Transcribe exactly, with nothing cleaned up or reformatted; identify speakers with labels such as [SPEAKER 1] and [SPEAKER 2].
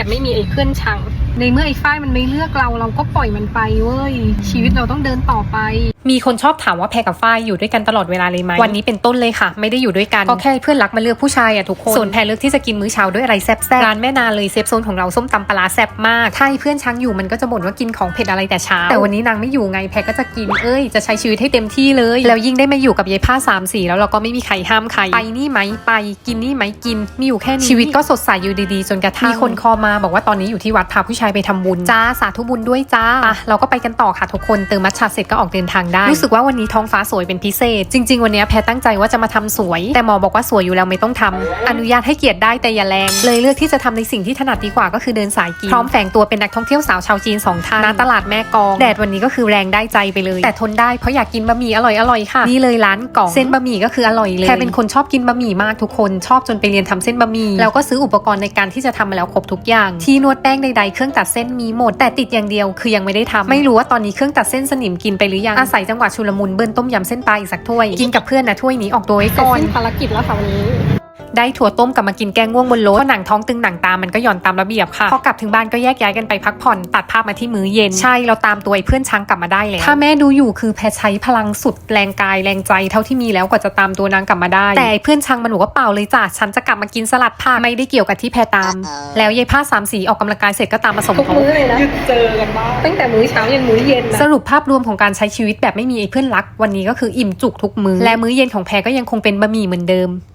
[SPEAKER 1] แบบไม่มีไอ้เพื่อนชังในเมื่อไอ้ฝ้ายมันไม่เลือกเราเราก็ปล่อยมันไปเว้ยชีวิตเราต้องเดินต่อไปมีคนชอบถามว่าแพรกับฝ้ายอยู่ด้วยกันตลอดเวลาเลยไหมวันนี้เป็นต้นเลยค่ะไม่ได้อยู่ด้วยกันก็แค่เพื่อนรักมาเลือกผู้ชายอะทุกคนส่วนแพรเลือกที่จะกินมื้อเช้าด้วยอะไรแซ่บๆร้านแม่นาเลยเซฟโซนของเราส้มตำปลาแซ่บมากถ้าไอ้เพื่อนช้างอยู่มันก็จะบ่นว่ากินของเผ็ดอะไรแต่เช้าแต่วันนี้นางไม่อยู่ไงแพรก็จะกินเอ้ยจะใช้ชีวิตให้เต็มที่เลยแล้วยิ่งได้มาอยู่กับยายผ้าสามสีแล้วเราก็ไม่มีใครห้ามใครไปนี่ไหมไปกินนี่ไหมกินมีอยู่แค่นี้ชีวิตก็สดใสอยู่ดีๆจนกระทั่งมีคนคอมาบอกว่าตอนนี้อยู่ที่วัดพาผู้ชายไปทำบุญจ้าสาธุบุญด้วยจ้าอ่ะเราก็ไปกันต่อค่ะทุกคนเติมมัทฉะเสร็จก็ออกเดินทางได้รู้สึกว่าวันนี้ท้องฟ้าสวยเป็นพิเศษจริงๆวันนี้แพรตั้งใจว่าจะมาทำสวยแต่หมอบอกว่าสวยอยู่แล้วไม่ต้องทำอนุญาตให้เกียรติได้แต่อย่าแรงเลยเลือกที่จะทำในสิ่งที่ถนัดดีกว่าก็คือเดินสายกินพร้อมแฝงตัวเป็นนักท่องเที่ยวสาวชาวจีนสองท่านณตลาดแม่กองแดดวันนี้ก็คือแรงได้ใจไปเลยแต่ทนได้เพราะอยากกินบะหมี่อร่อยๆค่ะนี่เลยร้านกองเส้นบะหมี่ก็คืออร่อยเลยแพรเป็นคนชอบกินบะหมี่มากทุกคนชอบจนไปเรียนทำเส้นบะหมี่แล้วก็ซื้ออุปกรณ์ในการที่จะทำมาแล้วครบทุกอย่างที่นวดแป้งใดๆเครื่องตัดเส้นมีหมดแต่ติดอย่างเดียวคือยังไม่ได้ทำไม่รู้ว่าตอนนี้เครื่องตัดเส้นสนิมกินไปหรือยังอาศัยจังหวะชุลมุนเบิ้ลต้มยำเส้นปลาอีกสักถ้วยกินกับเพื่อนนะถ้วยนี้ออกตัวไว้ก่อนภารกิจแล้วค่ะวันนี้ได้ถั่วต้มกลับมากินแกงง่วงบนรถเพราะหนังท้องตึงหนังตามันก็หย่อนตามระเบียบค่ะพอกลับถึงบ้านก็แยกย้ายกันไปพักผ่อนตัดภาพมาที่มื้อเย็นใช่เราตามตัวไอ้เพื่อนช้างกลับมาได้แล้วถ้าแม่ดูอยู่คือแพรใช้พลังสุดแรงกายแรงใจเท่าที่มีแล้วกว่าจะตามตัวนางกลับมาได้แต่ไอ้เพื่อนช้างมันบอกว่าเปล่าเลยจ้ะฉันจะกลับมากินสลัดผักไม่ได้เกี่ยวกับที่แพรตามแล้วยายผ้าสามสีออกกำลังกายเสร็จก็ตามมาสมทบทุกมื้อเลยนะเจอกันบ้างตั้งแต่มื้อเช้ายันมื้อเย็นสรุปภาพรวมของการใช้ชีวิตแบบไม่มีไอ้เพื่อนรักวันนี้ก็คืออิ่มจุกทุกมื้อและมื้อเย็นของแพรก็ยังคงเป็นบะหมี่เหมือนเดิม